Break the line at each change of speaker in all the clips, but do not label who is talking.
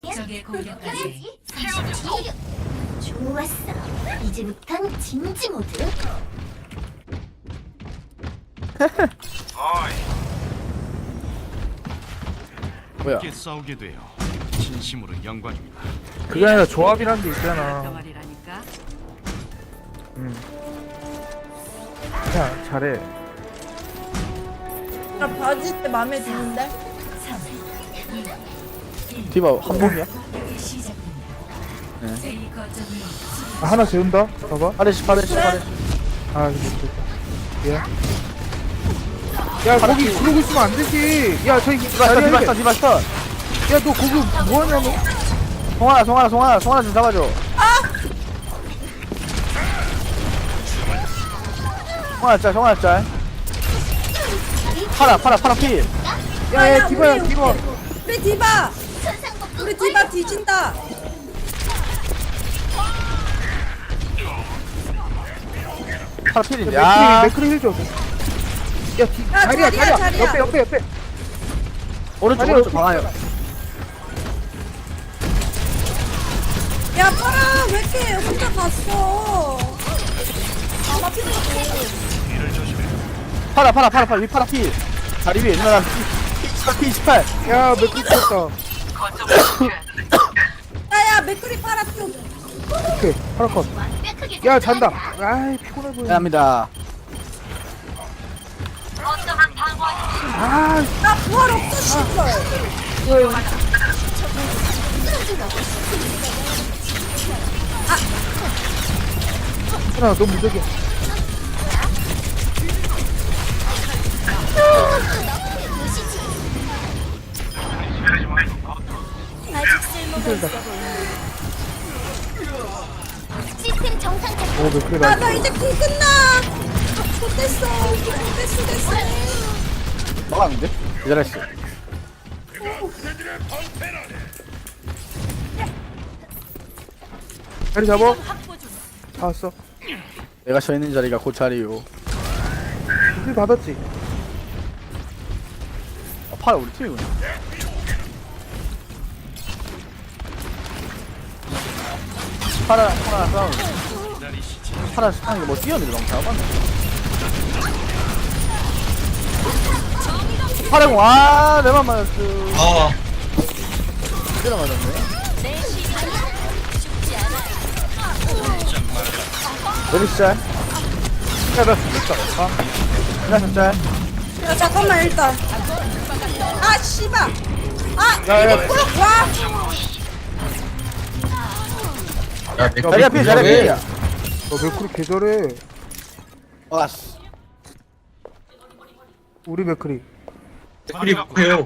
적의 공격까지 30초.
좋았어. 이제부턴 진지 모드.
뭐야?
함께 싸우게 되어 진심으로 영광입니다.
그게 아니라 조합이란 게 있잖아.
덩어리라니까.
야 잘해.
나 바지 때 마음에 드는데?
디바 한복이야?
A 거점을
아, 하나 재운다. 봐봐.
파레시 파레시 파레시.
아 이거 됐다. 야. 야 거기 그러고 있으면 안 되지. 야 저기
디바스터 디바스터 디바스터.
야너 거기 뭐하냐 너?
송하나 좀 잡아줘. 송하나 짤. 파라 필.
야야 디바야 디바.
우리 디바! 우리 디바 뒤진다!
파라 필인데. 야,
맥크리 힐 줘. 야
자리야,
자리야
자리야.
옆에.
오른쪽 방아요.
야, 파라! 왜 이렇게 혼자 갔어?
파라 위 파라 필. 다리 위에 누나 P18.
야 맥크리 쳤다.
야야, 맥크리 파라 좀!
오케이 파라 컷. 야 잔다. 아이 피곤해 보여.
감사합니다.
아
나 부활 없어, 씨발!
하나 너무 무적이야.
아직 쓸모가 있어 보여. 시스템 정상 작동.
오 맥크리다.
나 이제 쿨 끝나! 됐어. 됐어.
막았는데? 기다렸어.
자리 잡어. 다 왔어.
내가 서 있는 자리가 그 자리요.
힐 받았지.
파라 우리 팀이구나. 파라 싸움. 파라 싸움 뭐 뛰었는데 너무 잘 봤네. 파라공 내만 맞았어. 때려 맞았네. 메리스 짤.
야나 죽겠다.
메리스 짤.
야, 잠깐만, 일단. 아, 씨발!
야,
이거 꿀 와!
자리야 필 자리야 필이야.
너 맥크리 개잘해.
왔어.
우리 맥크리.
댓글이 급해요.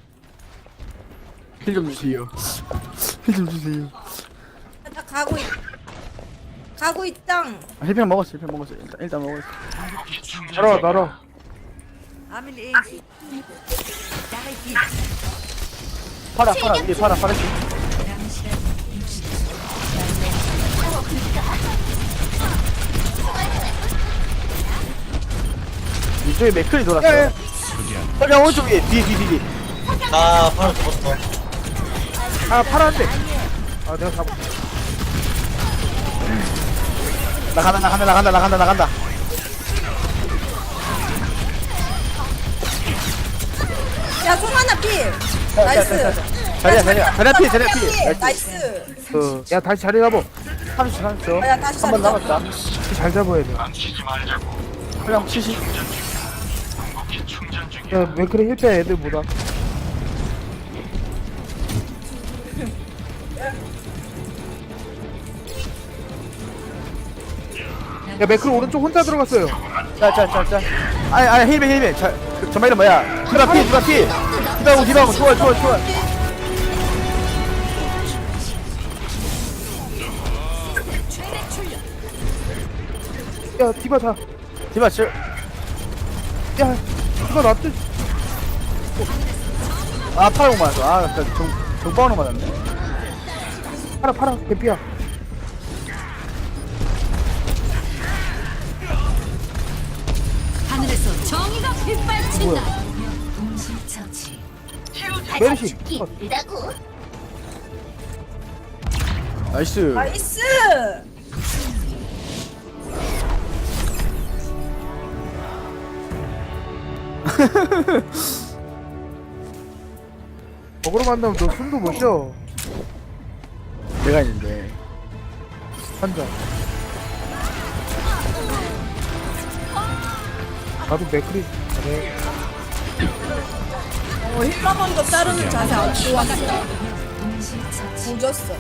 힐 좀 주세요. 힐 좀 주세요.
나 가고 있당.
힐팩 먹었어. 일단 먹었어.
날아.
파라 우리 파라 이쪽에 맥클이 돌았어. 빨리 오른쪽 위에 뒤.
나 바로 죽었어.
아 파란데. 아 내가 잡아.
나간다.
야, 송하나 필! 나이스!
자리야 필.
나이스!
야 다시 자리 잡어.
30초.
야, 다시
한 번
자리
남았다.
잘 잡아야 돼.
그냥 70.
야 맥크리 힐패 애들보다. 야 맥크리 오른쪽 혼자 들어갔어요.
자. 아니 힐백. 정말 이름 뭐야? 디바피. 디바고 좋아.
야 디바 자.
디바 저
야 디바 놔둬.
파라공 맞았어. 정방으로 맞았네.
파라 개피야.
하늘에서 정의가 빗발친다.
동시 처치.
메르시.
일다고.
나이스.
나이스.
먹으러 만나면 너 숨도 못 쉬어.
내가 있는데.
한잔. 나도 맥크리 잘해.
힐러건도 자르는 자세 안 좋았어.
동시처치.
조졌어.